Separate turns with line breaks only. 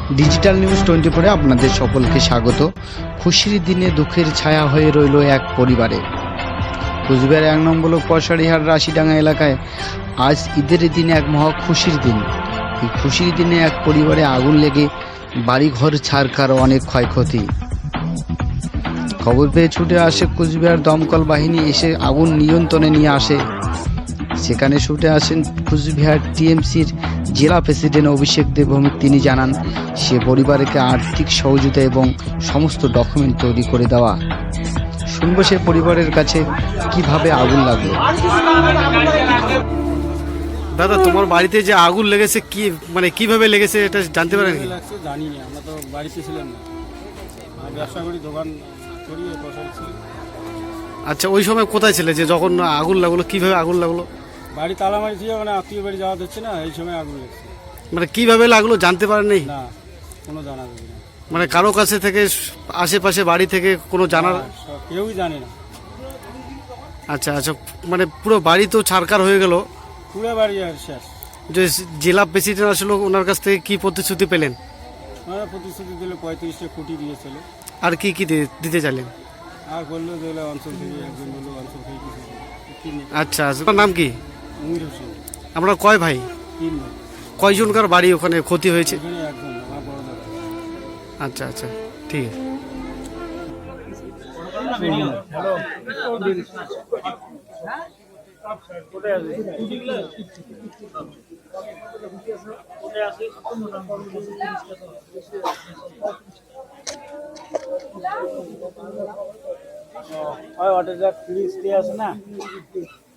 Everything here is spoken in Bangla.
ডিজিটাল নিউজ 24 এ আপনাদের সকলকে স্বাগত। খুশির দিনে দুঃখের ছায়া হয়ে রইল এক পরিবারে। কুচবিহার 1 নম্বর ব্লক পয়সারিহাট রাশিডাঙ্গা এলাকায় আজ ঈদের দিনে এক মহা খুশির দিন। এই খুশির দিনে এক পরিবারে আগুন লেগে বাড়িঘর ছারখার, অনেক ক্ষয়ক্ষতি। খবর পেয়ে ছুটে আসে কুচবিহার দমকল বাহিনী, এসে আগুন নিয়ন্ত্রণে নিয়ে আসে। সেখানে ছুটে আসেন কুচবিহার টিএমসির জেলা প্রেসিডেন্ট অভিষেক দেবভৌমিক। তিনি জানান সে পরিবারকে আর্থিক সহযোগিতা এবং সমস্ত ডকুমেন্ট তৈরি করে দেওয়া। শুনবো সে পরিবারের কাছে কিভাবে আগুন লাগলো।
দাদা, তোমার বাড়িতে যে আগুন লেগেছে কি কিভাবে লেগেছে এটা জানতে পারেন কি?
জানি না, আমরা তো বাড়িতে ছিলাম না, ব্যবসা করি, দোকান করি, বসাই ছিল।
আচ্ছা, ওই সময় কোথায় ছিলে যে যখন আগুন লাগলো? কিভাবে আগুন লাগলো?
বাড়ি তালা মারি ছিল, আত্মীয় বাড়ি যাওয়া যাচ্ছে না, এই সময় আগুন লেগেছে।
কিভাবে লাগলো জানতে পারেন নাই?
না, কোনো জানা যাবে না।
কারো কাছে থেকে, আশেপাশে বাড়ি থেকে কোনো জানার?
কেউই জানে না।
আচ্ছা আচ্ছা, পুরো বাড়ি তো ছারখার হয়ে গেল।
পুরো বাড়ি আর শেষ।
যে জেলা প্রেসিডেন্ট আসলো, ওনার কাছ থেকে কি প্রতিশ্রুতি পেলেন?
প্রতিশ্রুতি দিলে 35টা কোটি দিয়েছিল।
আর কি কি দিতে চাইলেন?
আর বললো যে অঞ্চল থেকে একজন বললো অঞ্চল থেকে কিছু।
আচ্ছা, আপনার নাম কি?
মুমির হোসেন।
আমরা কয় ভাই?
3 ভাই।
কয়জনকার বাড়ি ওখানে ক্ষতি হয়েছে?
এখানে একজন, আমার বড় দাদা।
আচ্ছা আচ্ছা, ঠিক আছে।
ওটা যা ফ্রিজ দিয়ে আছে না।